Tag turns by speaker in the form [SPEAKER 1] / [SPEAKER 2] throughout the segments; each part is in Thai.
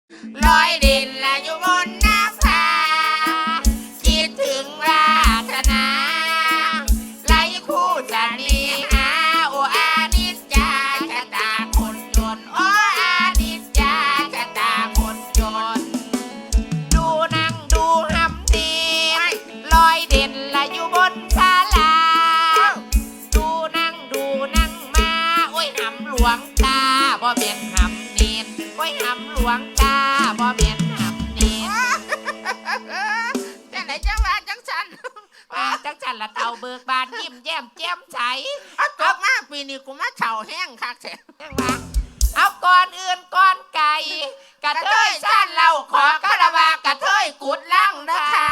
[SPEAKER 1] ลอยดินละอยู่บนน้ำพาคิดถึงราธนาไหลคู่จะนีหาโออานิจจาชะตาคนจนโออานิจจาชะตาคนจนดูนั่งดูหำดีลอยเด่นละอยู่บนศาลาดูนั่งมาโอ้ยหำหลวงตาบ่เป็นหำเนียนโอ้ยหำหลวงตาบ่เป็นหำเนียนจังไหนจังว่าจังฉันว่าจังฉันละเต่าเบิกบานยิ้มแย้มแจ่มใสเอามาปีนี้กูมาเฉาแห้งคักเสียยังว่าเอาก่อนอื่นก่อนไก่กระเทยสั้นเราขอคารวะกระเทยกุดล่างนะคะ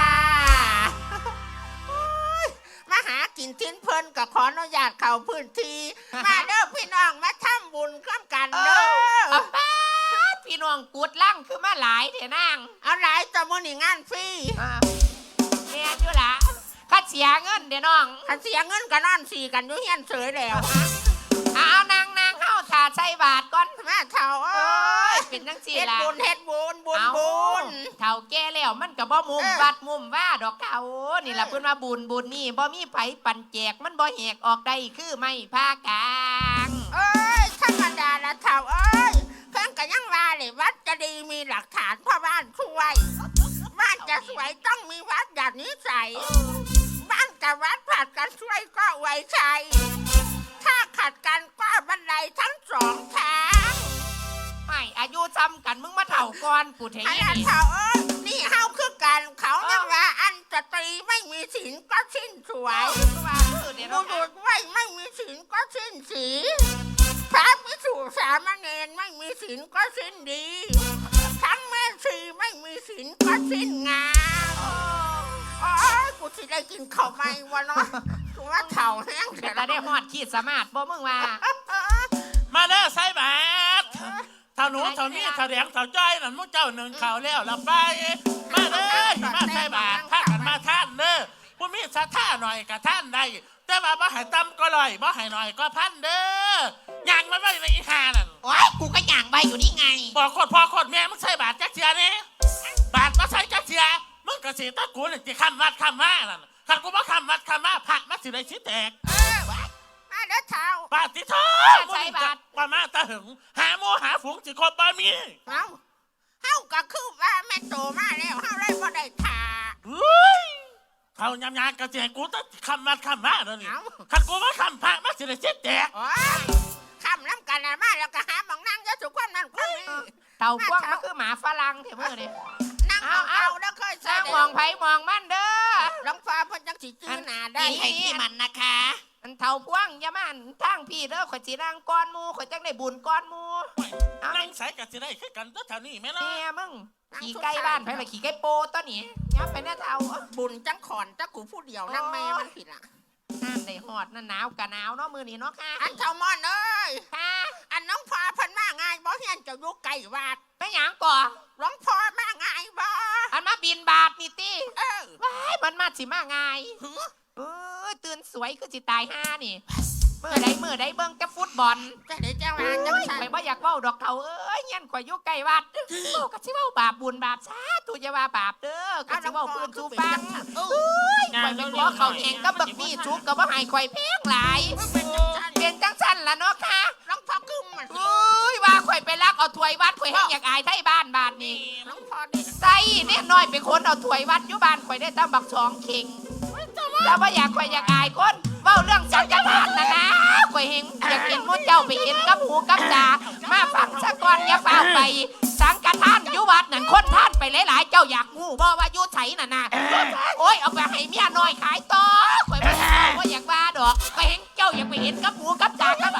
[SPEAKER 1] มาหากินทิ้นเพลินกับขออนุญาตเข้าพื้นที่มาเด้อพี่น้องมาทำบุญร่วมกันเด้อพี่น้องกุดล่างคือมาหลายเถอะนางเอาหลายจะมื้อนี้งานฟรีแม่อยู่ละข้าเสียเงินเดี๋ยวน้องข้าเสียเงินก็นอนสี่กันอยู่เฮียนเฉยแล้วเอานางเข้าถ่าใส่บาทก่อนมาเท่าเอ้ยเป็นจังซี่ล่ะเฮ็ดบุญเท่าแก่แล้วมันก็บ่มุมวัดมุมว่าดอกเท่านี่ล่ะเพิ่นว่าบุญนี่บ่มีไผปันแจกมันบ่แหกออกได้คือไม่พากลางเอ้ยธรรมดาละเท่าเอ้ยเพิ่นก็ยังว่าเลยวัดจะดีมีหลักฐานพ่อบ้านช่วยบ้านจะสวยต้องมีวัดอย่างนี้ใส่บ้านกับวัดผัดกันช่วยก็ไว้ใจถ้าขัดกันก็บันไดทั้งสองทางไม่อายุซ้ำกันมึงมาเถ่าก่อนกูเทียนี่เถ่านี่เฮาคือกันเขาเรียกว่าอันสตรีไม่มีศีลก็สิ้นสวยบุรุษไว้ไม่มีศีลก็สิ้นสีพระภิกษุสามเณรไม่มีศีลก็สิ้นดีทั้งแม่ชีไม่มีศีลก็สิ้นงามอ๋อกูสิได้กินข้าวไหมวะเนาะกูว่าเถ่าแห้งแต่ละได้ฮอดขีดสมาร์ทบ่มึงว่า
[SPEAKER 2] มาเด้อใส่บาตรเท่าหนูเท่านี้เท่าแดงเท่าจ้อยนั่นมุกเจ้าหนึ่งข่าวแล้วละไปมาเด้อมาใส่บาตรพากันมาท่านเด้อผู้มีศรัทธาหน่อยกับท่านได้แต่ว่าบ่ให้ต่ำก็ลอยบ่ให้หน่อยก็พันเด้อย่างมันไม่ในอีหานั่น
[SPEAKER 1] โอ้ยกูก็ย่างใบอยู่นี่ไง
[SPEAKER 2] บอกคนพ่อคนแม่มึงใส่บาตรจักเสียนี่บาตรมาใส่จักเสียมึงกระสีตะกูนี่จะคำวัดคำว่านั่นขันกูมาคำวัดคำว่าพระมาสิได้ชิ้นแตก
[SPEAKER 1] มาเด้อเท้า
[SPEAKER 2] บาตรที่ท้อมึงจะมาตาหึงหาโมหาฝูงสิคบบ่มี
[SPEAKER 1] เฮาก็คือว่าแม่โตมาแล้วเฮาเลยบ่ได้ท่า
[SPEAKER 2] เขายำยากระเจียกูต้องคำวัดคำว่าเดี๋ยวนี้ขันกูมาคำพระมาสิได้ชิ้นแตก
[SPEAKER 1] คำน้ำกันมาแล้วก็หาหมองนั่งเยอะสุกคนนั่นคนนี้เต่ากว้างก็คือหมาฝรั่งเถอะเมื่อเนี่ยนั่งเอาแล้วเคยใส่มองไผมองมันเด้อหลวงฟ้าพันจังสีจื้อหนาได้ให้ที่มันนะคะอันเต่ากว้างยามันทั้งพี่เด้อข่อยสีนางก้อนมูข่อยจังได้บุญก้อนมู
[SPEAKER 2] นั่งใส่กันสิได้คือกันตัวเท่านี้ไหมล่ะ
[SPEAKER 1] เนี่ยมึงขี่ใกล้บ้านไปเลยขี่ใกล้โปตัวนี้ยับไปหน้าเท้าบุญจังขอนจังกูผู้เดียวนั่งแม่มันผิดล่ะน้ำได้หอดนั่นหนาวกะหนาวเนาะมือนี่เนาะค่ะอันเท่ามอนเอ้ยค่ะอันน้องพอพันมาง่ายบ่เฮียนจะยุกไก่วาดไม่หยังก่อหลวงพ่อมาง่ายบ่อันมาบินบาทนี่ตีว้ายมันมาสิมาง่ายตื่นสวยคือสิตายห้านี่เมื่อใดเบิ่งจะฟุตบอลจะได้จังหวะจังฉันไปบ่อยากเว้าดอกเขาเอ้ยเงี้ยข่อยอยู่ไกลวัดโอ้ก็สิเว้าบาปบุญบาปซาตุอย่าว่าบาปเด้อก็สิเว้าพื้นสู่ฟังข่อยไปขอเขาแข่งกับบักมี่ชุกก็บ่ให้ข่อยแพงหลายเป็นจังซั่นล่ะเนาะค่ะหลวงพ่อคึมมันว่าข่อยไปลักเอาถ้วยวัดข่อยให้อยากอายไทยบ้านบาดนี้หลวงพ่อใส่เนี่ยน้อยไปคนเอาถ้วยวัดอยู่บ้านข่อยได้ตามบักสองเข่งแล้วบ่อยากข่อยอยากอายคนเว้าเรื่องสังฆทานนะข่อยเห็นอยากเห็นมุ่นเจ้าไปเห็นกับหูกับตามาฟังซะก่อนอย่าฟ้าไปสังฆทานอยู่วัดนั่นคนท่านไปหลายๆเจ้าอยากงูบ่ว่าอยู่ไสน่ะนะโอ้ยเอาไปให้เมียน้อยขายต่อข่อยบ่อยากว่าดอกข่อยเห็นเจ้าอยากไปเห็นกับหูกับตากับ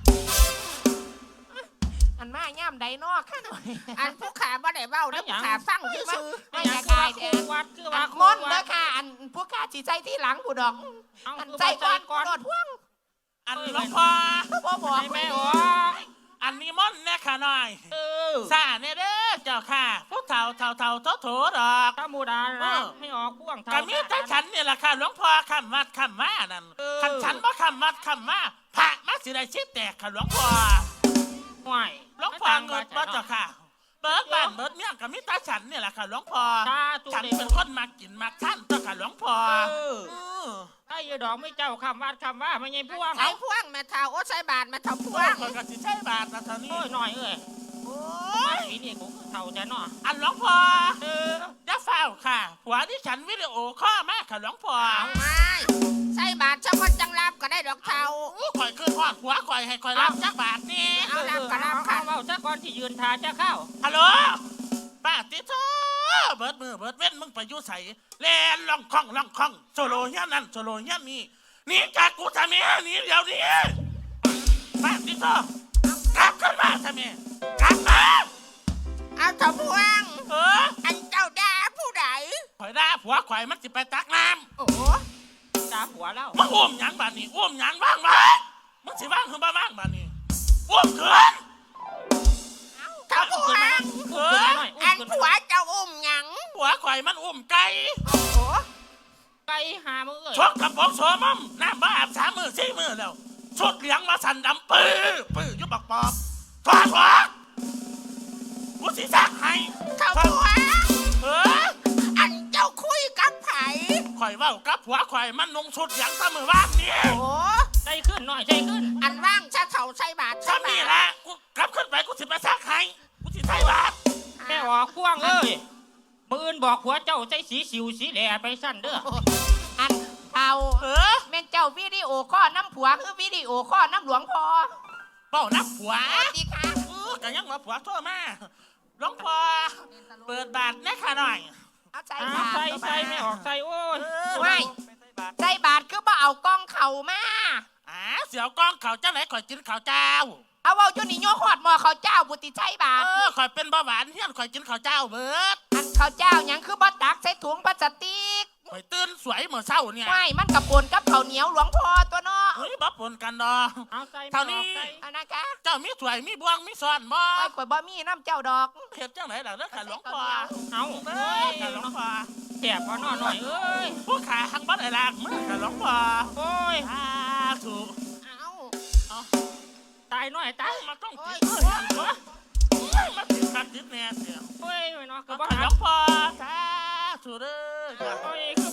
[SPEAKER 1] อันมาย่ำใดนอกค่ะหน่อยอันผู้ขาบ่ได้เว้าแล้วผู้ขาฟังซื่อไม่อยากอายเด้อมนเด้อค่ะอันผู้ขาสิใจที่หลังผู้ดอกอันใจก่อนโดดพ่วง
[SPEAKER 2] อันหลวงพ่อ
[SPEAKER 1] บ่บอก
[SPEAKER 2] แม่อันนี้ม่อนแน่ค่ะหน่อยซาเนี่ยเด้อเจ้าค่ะพวกเท่าโถดอก
[SPEAKER 3] ธรรมดาให้ออกพ่วง
[SPEAKER 2] กันมีแต่ฉันเนี่ยแหละค่ะหลวงพ่อคำวัดคำว่านั่นขันฉันบ่คำวัดคำว่าพระมาสิได้ชิบแตกค่ะหลวงพ่อ
[SPEAKER 3] ห่วย
[SPEAKER 2] หลวงพ่อเงินบ่เจ้าค่ะเบิดบ้านเบิดเมีเนี่ยกับมิตาฉันเนี่ยแหละค่ะหลวงพ่อ
[SPEAKER 3] สาธุ
[SPEAKER 2] ฉัน
[SPEAKER 3] เด้
[SPEAKER 2] เป็นคนมากินมาท่านต่อค่ะหลวงพ่อ
[SPEAKER 3] ไอ้ดอกไม่เจ้าคำว่าไม่ไงพวง
[SPEAKER 1] ใส่พ่วงแม่เท่าโอ้ใส่บาทแม่เท่าพ่ว
[SPEAKER 2] โอ้ย
[SPEAKER 1] ง
[SPEAKER 2] คนก็สิใช่บาทนะเท่านี้
[SPEAKER 3] โอ้ยหน่อยเอ้ย
[SPEAKER 1] โอ้
[SPEAKER 3] ปีนี้กูเท่าแต่เนาะ
[SPEAKER 2] อันหลวงพ่อจะเฝ้าค่ะหัวที่ฉันวิดีโอข้อมากค่ะหลวงพ่อ
[SPEAKER 1] เอาไม่ใส่บาทเฉพาะจังรับก็ได้ดอกเท่า
[SPEAKER 2] ข่อยคือทอดหัวข่อยให้ข่อยรับจักบาทนี่
[SPEAKER 1] เอารับก็รับค่ะ
[SPEAKER 3] เอาซะก่อนที่ยืนทาจะเข้า
[SPEAKER 2] ฮัลโหลป้าติโตเบิดมือเบิดเว้นมึงไปอยู่ใส่แลนล่องคล่องโซโลเฮียนั่นโซโลเฮียนี่นี่จากกูทำไมนี่เดี๋ยวนี้ป้าติโตกลับขึ้นมาทำไมกลับมา
[SPEAKER 1] เอาเท่าพ่วง อันเจ้าด่าผู้ใด
[SPEAKER 2] ข่อยด่าผัวข่อยมันสิไปตักน้
[SPEAKER 1] โอ้
[SPEAKER 3] ตาหัวแล้ว
[SPEAKER 2] ำมึงอุ้มหยังบาดนี้อุ้มหยังว่างไหมมึงสิว่างคือบ้าว่างบาดนี้อุ้มขึ้น
[SPEAKER 1] เท่าพ่วง อันผัวเจ้าอุ้มหยัง
[SPEAKER 2] ผัวข่อยมันอุ้มไก่
[SPEAKER 1] โอ้โห
[SPEAKER 3] ไก่หามึงเอ้ย
[SPEAKER 2] ชกกับบอกโสมมน้ำบ้าอาบ3 มือ4 มือแล้วชุดเหลียงมาสั่นดำปื้อยุบบักปอบถอดหัวกูสิซักให้
[SPEAKER 1] เท่าพ่วง อันเจ้าคุยกับไผ
[SPEAKER 2] ข่อยเว้ากับผัวข่อยมันนุ่งชุดเหลียงตะมือว่างนี่
[SPEAKER 1] โอ้
[SPEAKER 3] ใจขึ้นหน่อยใจขึ้น
[SPEAKER 1] อันว่างชะเท่าใส่บาทใส่
[SPEAKER 2] ซ้ำ
[SPEAKER 1] บา
[SPEAKER 2] นี่
[SPEAKER 1] ท
[SPEAKER 2] แหละกูกลับขึ้นไปกูสิไปซักให้กูสิใส่บาตร
[SPEAKER 3] แม่ออกพวงเอ้ยมืออื่นบอกหัวเจ้าใจสีสิวสีแหล่ไปสั้นเด้อ
[SPEAKER 4] อันเท่าแม่นเจ้าวิดีโอข้อน้ำผัวคือวิดีโอข้อน้ำหลวงพ่อ
[SPEAKER 2] เป้านับผัว
[SPEAKER 4] ดีค่ะ
[SPEAKER 2] ก็ยังมาผัวโทษมาหลวงพ่อเปิดบาทแน่ค่ะหน่อย
[SPEAKER 4] เอาใจ
[SPEAKER 3] อ้า
[SPEAKER 4] บาว ท
[SPEAKER 3] ใส่ไม่ออกใส่โอ้ย
[SPEAKER 4] ไม่ใจบาทคือบ่เอากล้องเข่ามา
[SPEAKER 2] เสียวกล้องเขาเจ้าไหนข่อยกินข้าวเจ้า
[SPEAKER 4] เอาเว้าจุนี่โยขอดหมอเขาเจ้าบุติใจบาท
[SPEAKER 2] ข่อยเป็นเบาหวานเฮียนข่อยกินข้าวเจ้าเบิด
[SPEAKER 4] อันเขาเจ้าหยังคือบ่ตักใส่ถุงพลาสติก
[SPEAKER 2] ข่อยตื่นสวยเหมือนเศร้าเนี่ย
[SPEAKER 4] ไม่มันกับปนกับข้าวเหนียวหลวงพ่อตัวเนาะ
[SPEAKER 2] เฮ้ยบัปนกันดอ
[SPEAKER 3] เอาใส่
[SPEAKER 2] เท่านี้
[SPEAKER 4] อันนะคะ
[SPEAKER 2] เจ้ามีสวยมีบวงมีซ้อนบ่
[SPEAKER 4] ไปข่อยบ่มีน้ำเจ้าดอก
[SPEAKER 2] เห็ดจังไหนล่ะเด้อค่ะหลวงพ่อ
[SPEAKER 3] เอา
[SPEAKER 2] เด้
[SPEAKER 3] เอ้
[SPEAKER 2] อย ค่ะหลวงพ่อ
[SPEAKER 3] แสบพอหน่อยเอ้ย
[SPEAKER 2] ผู้ขาหังบัดไอ้ลากมือค่ะหลวงพ่อ
[SPEAKER 3] โอ้ย
[SPEAKER 2] ถูก
[SPEAKER 1] เอา
[SPEAKER 3] ตายหน่อยตาย
[SPEAKER 2] มาต้อง
[SPEAKER 1] โอ้
[SPEAKER 2] ติ
[SPEAKER 1] ย
[SPEAKER 2] ดเลยมาติดกันติดแน่เสีย
[SPEAKER 3] โอ้ยไม่เนาะก็
[SPEAKER 2] ก็
[SPEAKER 3] บ่
[SPEAKER 2] บ่ห
[SPEAKER 3] หา
[SPEAKER 2] ลวงพ่อถูกเด้อ
[SPEAKER 3] โอ้ยคือ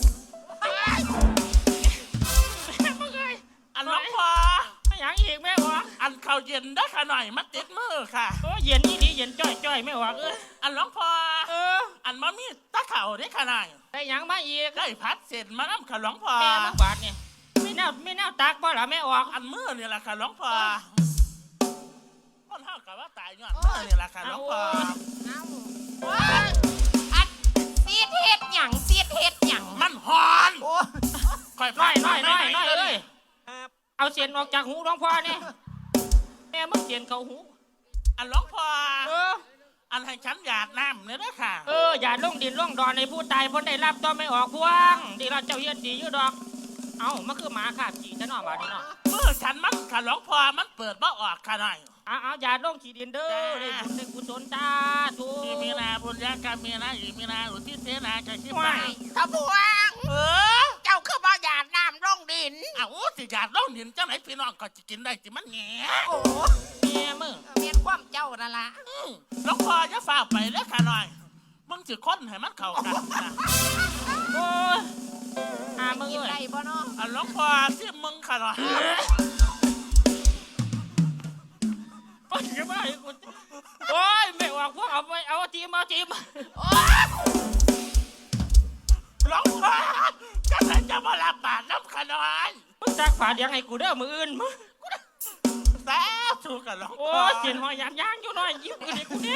[SPEAKER 3] มึงเอ้ย
[SPEAKER 2] อันหลวงพ่อ
[SPEAKER 3] ไม่อยากอีกแม่วะ
[SPEAKER 2] อันข้าวเย็นได้ค่ะหน่อยมาติดมือค่ะ
[SPEAKER 3] โอ้ยเย็นนี่ดีเย็นจ้อยไม่ออกเอ้ย
[SPEAKER 2] อันหลวงพ่อ อันมามีตะเข่าได้ค่ะหน่อย
[SPEAKER 3] ได้หยังมาอีก
[SPEAKER 2] ได้พัดเสร็จมาน้ำค่ะหลวงพ่อ
[SPEAKER 3] แม่มึงบาดเนี่ยไม่แน่าตักบ่ล่ะแม่ออก
[SPEAKER 2] อันมือนี่แหละค่ะหลวงพ่อคนเท่ากับว่าตายย้อนมือนี่แหละค่ะหลวงพ่อ
[SPEAKER 1] เอา
[SPEAKER 4] อันซีดเฮ็ดหยังซีดเฮ็ดหยัง
[SPEAKER 2] มันหอน
[SPEAKER 4] โอ้
[SPEAKER 2] ค่อย
[SPEAKER 3] น้อย
[SPEAKER 2] ไม่
[SPEAKER 3] เอ้ยเอาเสียนออกจากหูหลวงพ่อเนี่ยแม่มึงเสียนเข้าหู
[SPEAKER 2] อันหลวงพ่อ อันให้ฉันหยาดน้ำเนี่ยนะค่ะ
[SPEAKER 3] อย่าลงดินลงดอนในผู้ตายพ้นได้รับต้องไม่ออกพวงดีเราเจ้าเฮียนดีอยู่ดอก เอ้ามันคือหมาขาดจีจะนอนบาดนี่เนาะ
[SPEAKER 2] มือฉันมันค่ะหลวงพ่อมันเปิดบ่ออกค่ะหน่อย
[SPEAKER 3] เอาอย่าลงขี้ดินเด้อได้บุญได้กุศลจ้าทู
[SPEAKER 2] ที่มีนาบุญญากรรมมีนาอีมีนาอุทิศเสนาจะคิดไป
[SPEAKER 1] เท่าพ่วง เจ้าคือบ่หยาดน้ำลงดิน
[SPEAKER 2] สิหยาดล่องดินเจ้าไหนพี่น้องก็จะกินได้จิมันแง่
[SPEAKER 1] โอ้
[SPEAKER 3] แม่มึง
[SPEAKER 4] เมียนความเจ้านั่นล่ะ
[SPEAKER 2] หลวงพ่อจะฝ่าไปแล้วค่ะหน่อยมึงสิค้นให้มันเข้ากันนะ
[SPEAKER 3] โอ้ยมึง
[SPEAKER 4] กิน
[SPEAKER 3] เอ้
[SPEAKER 4] ได้
[SPEAKER 3] ย
[SPEAKER 4] บ่เนาะ
[SPEAKER 2] อันหลวงพ่อที่มึงค่ะหน่อย
[SPEAKER 3] ไปกันไปโอ้ยไม่ออกพวกเอาไปเอาทีม
[SPEAKER 2] หลวงพ่อจะไหนจะมาลาบาดน้ำค่ะหน่อย
[SPEAKER 3] มึงจักฝาดยังไงกูเด้อมืออื่นมึง
[SPEAKER 2] แต่ถูกกับหลวง
[SPEAKER 3] โอ้
[SPEAKER 2] พ่อย
[SPEAKER 3] เสียนหอยย่างอยู่หน่อยยิ้มกูดิกูเนี่ย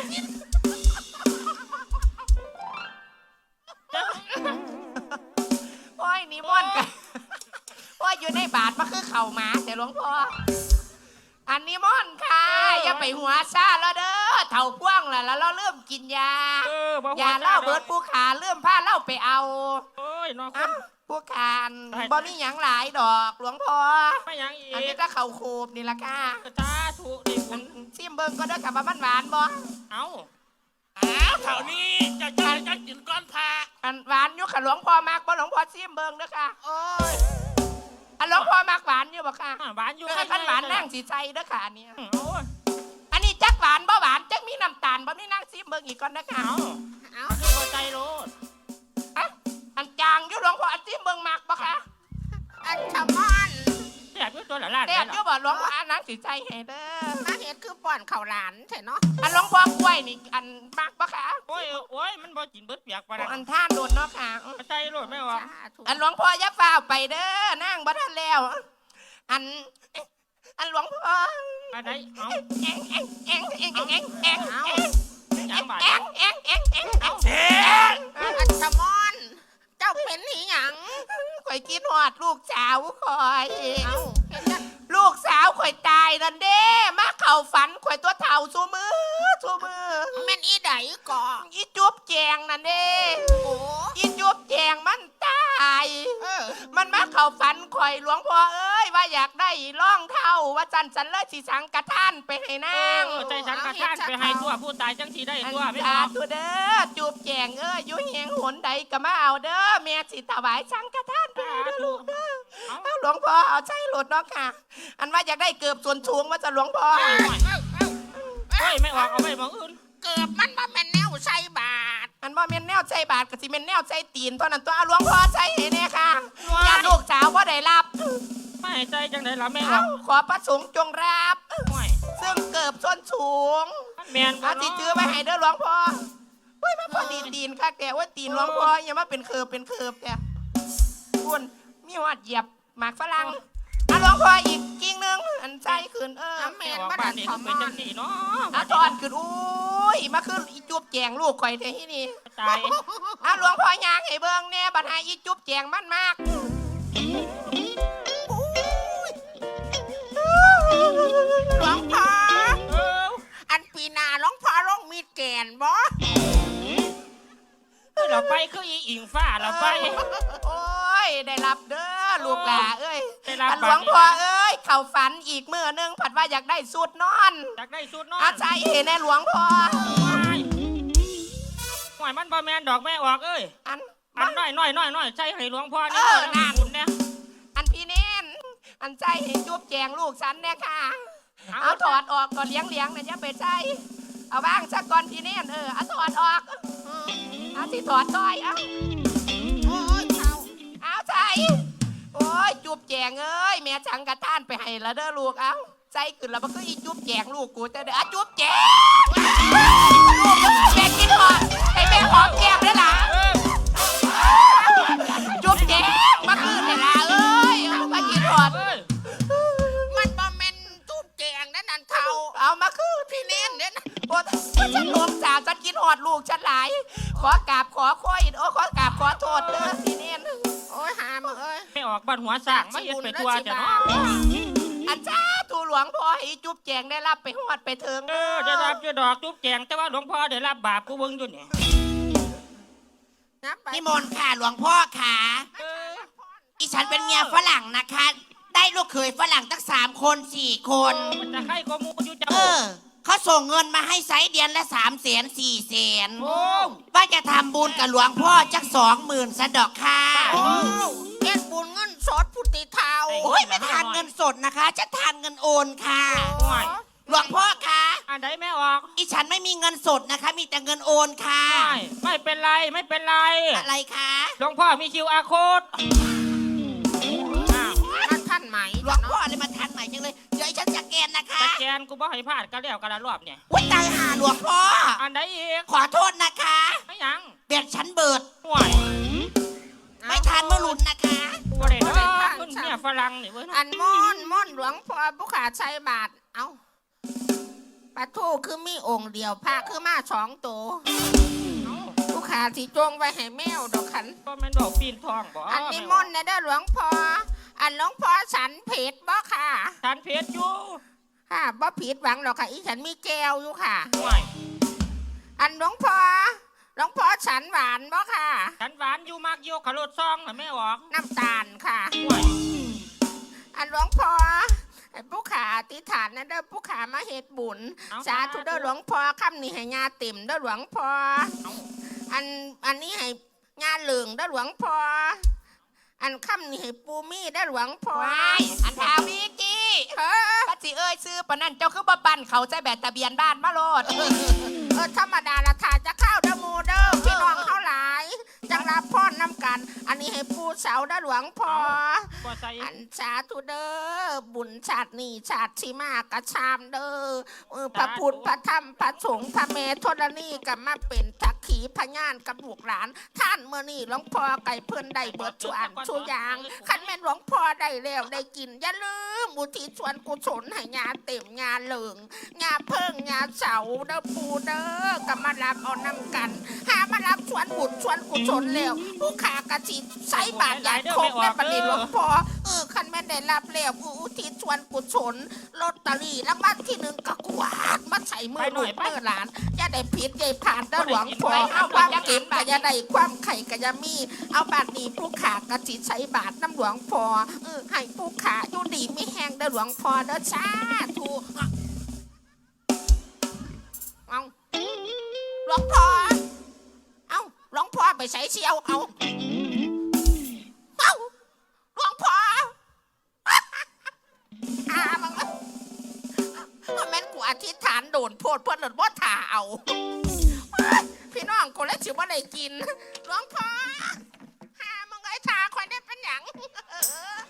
[SPEAKER 4] โอ้ยนิมนต์กันโอ้ยอยู่ในบาทมาคือเข่าหมาแต่หลวงพ่ออันนิมนต์ค่ะอย่าไปหัวซาแล้วเด้อเท่าพ่วงล่ะแล้วเราเริ่มกินยา
[SPEAKER 3] บ่
[SPEAKER 4] ยาเล่าเบิดผู้ขาเริ่มผ้าเล่าไปเอา
[SPEAKER 3] โอ้ยน้องค
[SPEAKER 4] อ้าน ผู้ขานบ่มีหยังหลายดอกหลวงพ่อ
[SPEAKER 3] ไม่ยังอี
[SPEAKER 4] อันนี้
[SPEAKER 3] ก
[SPEAKER 4] ก็เข่าโคบนี่ละค่ะ
[SPEAKER 3] ตาถูกดิบุญ
[SPEAKER 4] ซิมเบิงก็เด้อกับว่ามันหวานบ่
[SPEAKER 3] เอา
[SPEAKER 2] เท่านี้จะกินก้อนพา
[SPEAKER 4] อันหวานอยู่ค่ะหลวงพ่อมากบ่หลวงพ่อซิมเบิงเด้อค่ะ
[SPEAKER 1] โอ้ย
[SPEAKER 4] อันหลวงพ่อมากหวานอยู่บ่ค่ะ
[SPEAKER 3] หวานอยู่
[SPEAKER 4] ถ้าคันหวานนั่งสิใจเด้อค่ะอันเนี้ย
[SPEAKER 3] โอ้ย
[SPEAKER 4] อันนี้จักหววานบ่หวานจักมีน้ำตาลบ่มีนั่งซิมเบิ่งอีกก่อนนะคะ
[SPEAKER 3] เอาคือพอใจโลด
[SPEAKER 4] อันจางอยู่หลวงพ่ออันซิมเบิ่งมักบ่คะ
[SPEAKER 1] อันชะมอน
[SPEAKER 3] แซ่บอยู่ตัวละล้าน
[SPEAKER 4] แซ่
[SPEAKER 3] ได้
[SPEAKER 4] บ
[SPEAKER 3] หร
[SPEAKER 4] อยู่
[SPEAKER 3] อ
[SPEAKER 4] บ่หลวงพ่ออันนั้นสิใจให้เด้อ
[SPEAKER 1] มาเห็ดคือป้อนข้าวหลานใช่เนาะ
[SPEAKER 4] อันหลวงพ่อกล้วยนี่อันมักบ่คะ
[SPEAKER 3] โอ้ยมันบ่กินเบิดเปียกปานนั้น
[SPEAKER 4] อันท่านโดนเนาะค่ะ
[SPEAKER 3] พอใจโลดไม่ออก
[SPEAKER 1] สาธุ
[SPEAKER 4] อันหลวงพ่ออย่าฟ้าวไปเด้อนั่งบ่ทันแล้ว อันหลวงพ่อ
[SPEAKER 3] อันไหนเอา
[SPEAKER 4] เอ็ง
[SPEAKER 3] ยังบาด
[SPEAKER 2] เจ๊
[SPEAKER 1] อันชะมอน เจ้าเป็นหหยัง
[SPEAKER 4] ข่อยกินหอดลูกสาวข่อย
[SPEAKER 1] เอ้าเห็นจัง
[SPEAKER 4] ลูกสาวข่อยตายนั่นเด้มาเข้าฝันข่อยตัวเฒ่าซูมือ
[SPEAKER 1] แม่นอีใดก่อ
[SPEAKER 4] อีจุ๊บแจงนั่นเด้
[SPEAKER 1] โอ้
[SPEAKER 4] อีจุ๊บแจงมันตาย มันมาเข้าฝันข่อยหลวงพ่อเอ้ยว่าอยากได้ร่องเท่าว่าจันสันเลยสิสังกะท่านไปให้นาง
[SPEAKER 3] ใจฉันกระท่านไปให้ตัวผู้ตายจังสีได้ตัวไม่
[SPEAKER 4] สา
[SPEAKER 3] ออก
[SPEAKER 4] ธุเด้อจุ๊บแจงเอ้ยอยู่เฮียงหนใดก็มาเอาเด้อแม่สิถวายสังกะท่านไปให้เด้อลูกเด้อเอาหลวงพ่อเอาใจหลดเนาะค่ะ อันว่าอยากได้เกือบส่วนสูงว่าจะหลวงพ่อ
[SPEAKER 3] เฮ้ยไม่ออกเอาไปมองอื่น
[SPEAKER 1] เกือบมันบ่แม่นแนวใส่บาท
[SPEAKER 4] อันว่าเมนแนวใจบาทกับสิเมนแนวใจตีนเท่านั้นตัวเอาหลวงพ่อใจเห็นเนี่ยค่ะญาติลูกสาวว่าได้รับ
[SPEAKER 3] ไม่ใจจังได๋ล่ะแม่ออ
[SPEAKER 4] เอา
[SPEAKER 3] ก
[SPEAKER 4] ขอประสงค์จงรับ
[SPEAKER 3] ห่วย
[SPEAKER 4] ซึ่งเกือบส้นสูง
[SPEAKER 3] แม่นบ่
[SPEAKER 4] อาจิจื้อไปให้เด้อหลวงพ่อเฮ้ยมาพอดีตีนค่ะแกว่าตีนหลวงพ่ออย่ามาเป็นเคิบแกคุณมีหอดเหยียบหมากฝรั่งเอาหลวงพ่ออีกกิ่งหนึงอันใจขึ้น
[SPEAKER 3] แม่
[SPEAKER 1] แม่น
[SPEAKER 3] ออก
[SPEAKER 1] บ่
[SPEAKER 3] บ้า
[SPEAKER 1] ดั
[SPEAKER 3] น
[SPEAKER 1] น
[SPEAKER 3] นี่
[SPEAKER 1] ชะ
[SPEAKER 3] ต้อง
[SPEAKER 1] ม
[SPEAKER 3] เป็น
[SPEAKER 1] อ
[SPEAKER 3] จั
[SPEAKER 1] น
[SPEAKER 3] งซี่เนาะ
[SPEAKER 4] อาจอนขึ้นอุ้ยมาขึ้นอีจุ๊บแจงลูกข่อยเทที่นี่
[SPEAKER 3] ตาย
[SPEAKER 4] เอาหลวงพ่อยางให้เบิ่งเนี่ยบัดหาอีจุ๊บแจงมันมาก
[SPEAKER 1] หลวงพ่อ
[SPEAKER 3] เออ
[SPEAKER 1] อันปีหนาหลวงพ่อลงมีดแกนบ่
[SPEAKER 3] เราไปคืออีอิงฟ้าเราไป
[SPEAKER 4] โอ้ยได้รับเด้อลูกหลาเอ้ย
[SPEAKER 3] ได้รับ
[SPEAKER 4] อันหลวงพ่อเอ้ยเข้าฝันอีกมื้อนึงผัดว่าอยากได้สูตรนอน
[SPEAKER 3] อยากได้สุดเนาะ
[SPEAKER 4] อาใจเห็นแน่หลวงพ่อ
[SPEAKER 3] ห่วยมันบ่แม่นดอกแม่ออกเอ้ย
[SPEAKER 4] อัน
[SPEAKER 3] อันน้อยใจให้หลวงพ่อนี่
[SPEAKER 4] นั่น
[SPEAKER 3] บุญเนี่ย
[SPEAKER 4] อันพี่เน้นอันใจเห็นจุ๊บแจงลูกฉันเนี่ยค่ะ เอาถอดออกก่อนเลี้ยงนะอย่าไปใจเอาบ้างสักก่อนพี่เน้นเอาถอดออกเอาที่ถอดซอยเอา
[SPEAKER 1] โอ้ยเขา
[SPEAKER 4] เอาใจโอ้ยจุ๊บแจงเอ้ยแม่จังกระท่านไปให้ละเด้อลูกเอาใจขึ้นแล้วมันคืออีจุ๊บแจงลูกกูจะเด้อจุ๊บแจงลูกแม่กินหอมให้แม่หอมแก้มได้ล่ะจุ๊บแจงมาคืนได้ล่ะเอ้ยมากินหอม
[SPEAKER 3] เอ้ย
[SPEAKER 1] มันบ่แม่นจูบแจงนั่นนั่นเท่า
[SPEAKER 4] เอามาคืน
[SPEAKER 1] พี่เน้นเนี่ยนะ
[SPEAKER 4] โอ้ฉันหลวงสาวฉันกินหอดลูกฉันหลาย ขอกราบขอค่อยขอกราบขอโทษเด้อพี่เน้น
[SPEAKER 1] โอ้ยหามึงเอ้ย
[SPEAKER 3] ไม่ออกบ้านหัวสร้างมาเฮ็ดไปทั่วจ้ะเนาะ
[SPEAKER 4] อันจ้าตูหลวงพ่อให้จุ๊บแจงได้รับไปหอดไปเถิง
[SPEAKER 3] ได้รับอยู่ดอกจุ๊บแจงแต่ว่าหลวงพ่อได้รับบาปกูเบิ่งอยู่นี่
[SPEAKER 1] นับไป
[SPEAKER 5] นิมนต์ค่ะหลวงพ่อค่ะ
[SPEAKER 3] เออ
[SPEAKER 5] อีฉันเป็นเมียฝรั่งนะคะ ได้ลูกเขยฝรั่งตั้ง3 คน 4 คน
[SPEAKER 3] มันจะให้ข้อมูลอยู่จ้ะ
[SPEAKER 5] เขาส่งเงินมาให้ไซส์เดือนละ300,000 400,000
[SPEAKER 3] โอ้
[SPEAKER 5] ว่าจะทำบุญกับหลวงพ่อจัก20,000สะดอกค่ะ
[SPEAKER 1] เฮ็ดบุญเงินสดพุทธิเท่า
[SPEAKER 5] โอ้ยไม่ทานเงินสดนะคะ จะทานเงินโอนค่ะ
[SPEAKER 3] ห่วย
[SPEAKER 5] หลวงพ่อคะ
[SPEAKER 3] อันใดไม่ออก
[SPEAKER 5] อีฉันไม่มีเงินสดนะคะ มีแต่เงินโอนค่ะ
[SPEAKER 3] ไม่เป็นไรไม่เป็นไร
[SPEAKER 5] อะไรคะ
[SPEAKER 3] หลวงพ่อมี QR code อ้าว
[SPEAKER 1] มันท่านไหม
[SPEAKER 5] หลวงพ่อเลยมาทานใหม่จังเลยเดี๋ยวอีฉันจะแกนนะคะ
[SPEAKER 3] สแกนกูบ่ให้พลาดก็แล้วกันละรอบเนี่ย
[SPEAKER 5] วุ้ยตายหาหลวงพ่อ
[SPEAKER 3] อันใดอีก
[SPEAKER 5] ขอโทษนะคะ
[SPEAKER 3] ไม่ยัง
[SPEAKER 5] เบียดฉันเบิด
[SPEAKER 3] ห่วย
[SPEAKER 5] ไม่ทานเมื่อหลุนนะคะ
[SPEAKER 3] กูบ่ได้เนาะมึงเนี่ยฝรั่งนี่เว้ยเนาะ
[SPEAKER 1] อันม่อนหลวงพ่อผู้ขาใช้บาทเอ้าปะทูคือมีองค์เดียวพระคือมา2 ตัวผู้ขาที่จงไว้ให้แมวดอกขัน
[SPEAKER 3] ก็แม่นดอกปีนทองบ่
[SPEAKER 1] อันนี้ม่อนนะเด้อหลวงพ่ออันหลวงพ่อฉันเผ็ดบ่ค่ะ
[SPEAKER 3] ทานเพชรอยู่
[SPEAKER 1] ค่ะบ่ผิดหวังหรอกค่ะอีฉันมีแก้วอยู่ค่ะ
[SPEAKER 3] ห่วย
[SPEAKER 1] อันหลวงพ่อฉันหวานบ่ค่ะ
[SPEAKER 3] ฉันหวานอยู่มากโยกขรถซองน่ะไม่ออก
[SPEAKER 1] น้ำตาลค่ะ
[SPEAKER 3] ห่วย
[SPEAKER 1] อันหลวงพ่อไอ้ผู้ขาอธิษฐานนะเด้อผู้ขามาเฮ็ดบุญสาธุเด้อหลวงพ่อคำนี้ให้ญาเต็มเด้อหลวงพ่ออันนี้ให้ญาเหลืองเด้อหลวงพ่ออันคำนี้ให้ปูมี่เด้อหลวงพ่อ
[SPEAKER 4] ว้ายอันทาวิกี้ปัดสิเอ้ยซื้อปะนั่นเจ้าคือบ่ปั่นเขาใจแบบทะเบียนบ้านมาโลด
[SPEAKER 1] ธรรมดาละถ่ายจะเข้าเด้อหมูเด้อพี่น้องเข้าหลายจังรับพรน้ำกัน อันนี้ให้ปูเสาเด้อหลวงพ่อ
[SPEAKER 3] บ่ใส่
[SPEAKER 1] อันสาธุเด้อบุญชาตินี้ชาติที่มากระชามเด้อพระพุทธพระธรรมพระสงฆ์พระเมธธรณีกับมาเป็นทักขีพยานกับลูกหลาน ท่านเมื่อนี่หลวงพ่อไก่เพิ่นได้เบิดชวนชูยางคันแม่นหลวงพ่อได้แล้วได้กินอย่าลืมอุทิศส่วนกุศลให้ญาเต็มญาเหลิงญาเพิ่งญาเสาเด้อปูเด้อกับมารับเอานำกัน หามารับชวนบุญชวนกุศลแล้วผู้ขากระจิตใส่บาตรใหญ่คงแม่ประเดี๋ยวหลวงพ่อคันแม่นได้รับแล้วอุทิศส่วนกุศลลอตเตอรี่รางวัลที่ 1ก็กวาดมาใส่มือลูกมือหลานอย่าได้ผิดอย่าผ่านเด้อหลวงพ่อเอาความเก็บก็อย่าได้ความไข่ก็อย่ามีเอาบาตรนี้ผู้ขากระจิตใส่บาตรน้ำหลวงพ่อให้ผู้ขาอยู่ดีไม่แห้งเด้อหลวงพ่อเด้อสาธุเอาหลวงพ่อเอาหลวงพ่อไปใส่เชียวเอาหลวงพ่อมันแม่นกูอธิษฐานโดนโพดเพื่อนหลุดว่าถ่าเอาพี่น้องคนละชิวว่าได้กินหลวงพ่อมึงไอ้ถ่าคอยได้เป็นหยัง